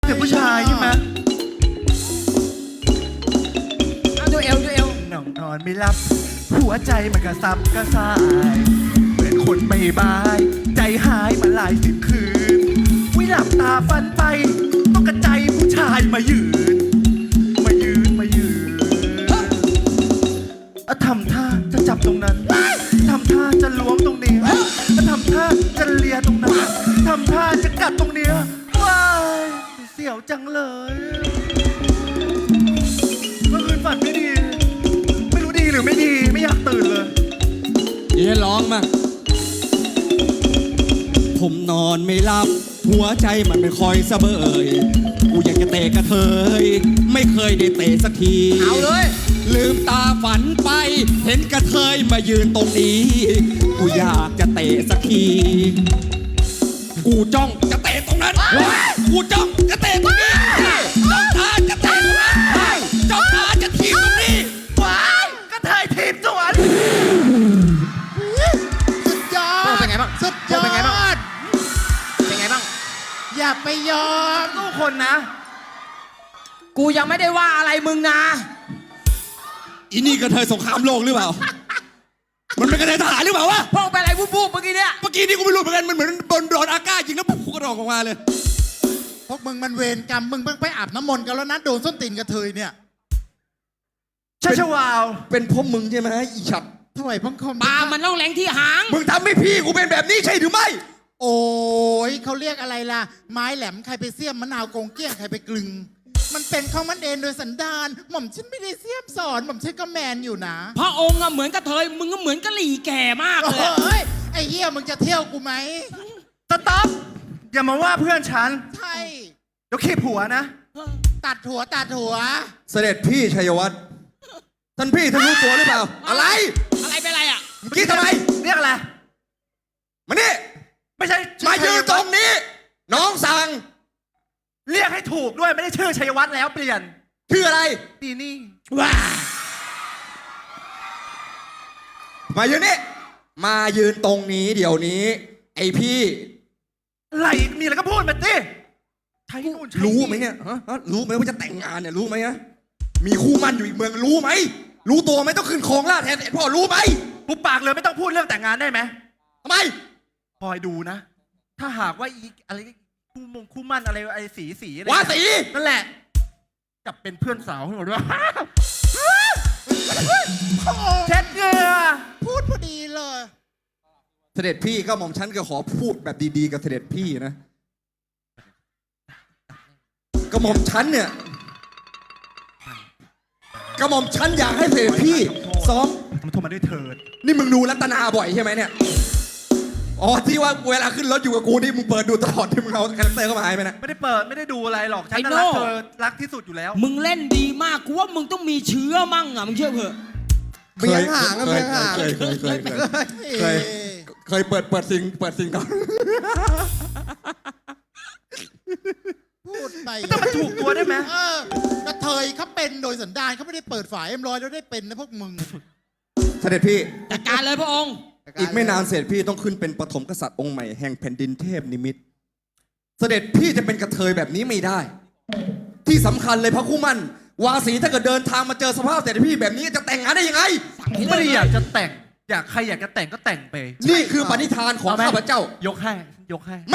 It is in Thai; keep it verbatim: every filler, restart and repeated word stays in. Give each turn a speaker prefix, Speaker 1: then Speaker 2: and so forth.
Speaker 1: เสียงผู้ชายใช่ไหม
Speaker 2: เอาดูเอวดูเอว
Speaker 1: น้องนอนไม่หลับ หัวใจมันกระซับกระส่ายเหมือนคนไม่บาย ใจหายมาหลายสิบคืนวิหลับตาฟันไปต้องกระใจผู้ชายมายืน มายืนมายืนอะทำท่าจะจับตรงนั้นทำท่าจะล้วงตรงนี้อะทำท่าจะเลียตรงนั้นทำท่าจะกัดตรงเนี้ยว้ายเสียวจังเลยเมื่อคืนฝันไม่ดี ไม่รู้ดีหรือไม่ดีไม่อยากตื่นเลย
Speaker 3: เดี๋ยวร้องมั่งผมนอนไม่หลับ หัวใจมันไม่คอยสะเบยกูอยากจะเตะกระเทยไม่เคยได้เตะสักที
Speaker 2: เอาเลย
Speaker 3: ลืมตาฝันไป เห็นกระเทยมายืนตรงนี้ กูอยากจะเตะสักที กูจ้องจะเตะตรงนั้น กูจ้องจะเตะตรงนี้จ้องตาจะเตะตรงนั้นจ้องตาจะทีบตรงนี้
Speaker 1: ว้ายกระเทยทีมสวน
Speaker 4: สุดยอ
Speaker 2: โอ้
Speaker 4: ด
Speaker 2: เป็นไงบ้าง
Speaker 4: สุดยอ
Speaker 2: เป็นไงบ้าง
Speaker 4: ด
Speaker 2: เป็นไงบ้าง
Speaker 4: อย่าไปยอม
Speaker 1: สู้คนนะ
Speaker 2: กูยังไม่ได้ว่าอะไรมึงนะ
Speaker 3: อีนี่กระเทยสงครามโลกหรือเปล่า มันเป็นกระเทยทหารหรือเปล่าวะ
Speaker 2: พ่อไปอะไรวูบๆเมื่อกี้เนี่ย
Speaker 3: เมื่อกี้นี่กูไม่รู้เหมือนกัน มันเหมือนโดนโดนอากาศยิงแล้วปุ๊บกระดองออกมาเลย
Speaker 4: พวกมึงมันเวรกรรม มึงเพิ่งไปอาบน้ำมนต์กันแล้วนะโดนส้นตีนกระเทยเนี่ย
Speaker 1: ชาชวาว
Speaker 3: เป็นพวกมึงใช่ไหมอีฉัด
Speaker 4: ถวายพังคม
Speaker 2: ปลามันต้องแหลงที่หาง
Speaker 3: มึงทำให้พี่กูเป็นแบบนี้ใช่หรือไม่
Speaker 4: โอ้ยเขาเรียกอะไรล่ะ ไม้แหลมใครไปเสี้ยมมะนาวโกงเกี้ยงใครไปกลึง มันเป็นของมันเองโดยสันดาน หม่อมฉันไม่ได้เสี้ยมสอน หม่อมฉันก็แมนอยู่นะ
Speaker 2: พระองค์อะเหมือนกระเทย มึงก็เหมือนกะหรี่แก่มาก
Speaker 4: โอ
Speaker 2: เลยอะ
Speaker 4: ้ย ไอ้เหี้ยมึงจะเที่ยวกูไหม
Speaker 1: สต๊อปอย่ามาว่าเพื่อนฉัน
Speaker 4: ใช่
Speaker 1: เดี๋ยวขีบหัวนะ
Speaker 4: ตัดหัวตัดหัว
Speaker 3: เสด็จพี่ชัยวัฒน์ท่านพี่ท่านรู้ตัวหรือเปล่า อะไร
Speaker 2: อะไรเป็นไรอะ
Speaker 3: เมื่อกี้ทำไม
Speaker 1: เรียกอะไร
Speaker 3: มานี่
Speaker 1: ไม่ใช่
Speaker 3: มายืนตรงนี้ น้องสั่ง
Speaker 1: เรียกให้ถูกด้วยไม่ได้ชื่อชัยวัฒน์แล้วเปลี่ยน
Speaker 3: ชื่ออะไร
Speaker 1: ดีนี่
Speaker 2: ว้า
Speaker 3: มายืนนี่ มายืนตรงนี้เดี๋ยวนี้ ไอพี่
Speaker 1: อะไรมีอะไรก็พูดมาสิใช่นู่นใช่
Speaker 3: รู้ไหมเนี่ยฮะฮะรู้ไหมว่าจะแต่งงานเนี่ยรู้ไหมฮะมีคู่มั่นอยู่อีกเมืองรู้ไหม รู้ตัวไหมต้องขึ้นครองราชย์แทนเสด็จพ่อรู้ไหม
Speaker 1: ปุบปากเลยไม่ต้องพูดเรื่องแต่งงานได้ไหม
Speaker 3: ทำไม
Speaker 1: คอยดูนะ ถ้าหากว่าอีอะไรคู่มงคู่มั่นอะไรไอ้สีสีอะไร
Speaker 3: ว่าสี
Speaker 1: นั่นแหละจับเป็นเพื่อนสาวให้หมดด้วยเช็ดเหงื่อ
Speaker 4: พูดพอดีเลย
Speaker 3: เสด็จพี่ก็หม่อมฉันก็ขอพูดแบบดีๆกับเสด็จพี่นะก็หม่อมฉันเนี่ยก็หม่อมฉันอยากให้เสด็จพี่ซ้อม
Speaker 1: มันโทรมาด้วยเถิด
Speaker 3: นี่มึงดูรัตนาบ่อยใช่ไหมเนี่ยอ๋อที่ว่าเวลาขึ้นรถอยู่กับกูนี่มึงเปิดดูตลอดที่มึงเอาคาแรคเตอร์เข้ามาให้ไหมนะ
Speaker 1: ไม่ได้เปิดไม่ได้ดูอะไรหรอกฉันน่ะรักเธอรักที่สุดอยู่แล้ว
Speaker 2: มึงเล่นดีมาก กูว่ามึงต้องมีเชื้อมั่งอะมึงเชื่อเถอะ
Speaker 3: เบียงห่างเบียงห่างเคยเคยเคยเคยเคยเคยเปิดเปิดซิงเปิดซิงก่อน
Speaker 4: พูดไป
Speaker 1: ไม่ต้องมาถูกตัวได้ไหม
Speaker 4: เออกระเทยเขาเป็นโดยสันดานเขาไม่ได้เปิดฝาเอ็มร้อยแล้วได้เป็นนะพวกมึง
Speaker 3: เสด็จพี่
Speaker 2: จัดการเลยพระองค์
Speaker 3: อีกไม่นานเสด็จพี่ต้องขึ้นเป็นปฐมกษัตริย์องค์ใหม่แห่งแผ่นดินเทพนิมิตรเสด็จพี่จะเป็นกระเทยแบบนี้ไม่ได้ ที่สำคัญเลยพระคู่มั่นวาสีถ้าเกิดเดินทางมาเจอสภาพเสด็จพี่แบบนี้จะแต่งงานได้ยังไง
Speaker 1: ไม่ได้อยากจะแต่ง อยากใครอยากจะแต่งก็แต่งไป
Speaker 3: นี่คือปณิธานของข้าพเจ้า
Speaker 1: ยกให้ยกให้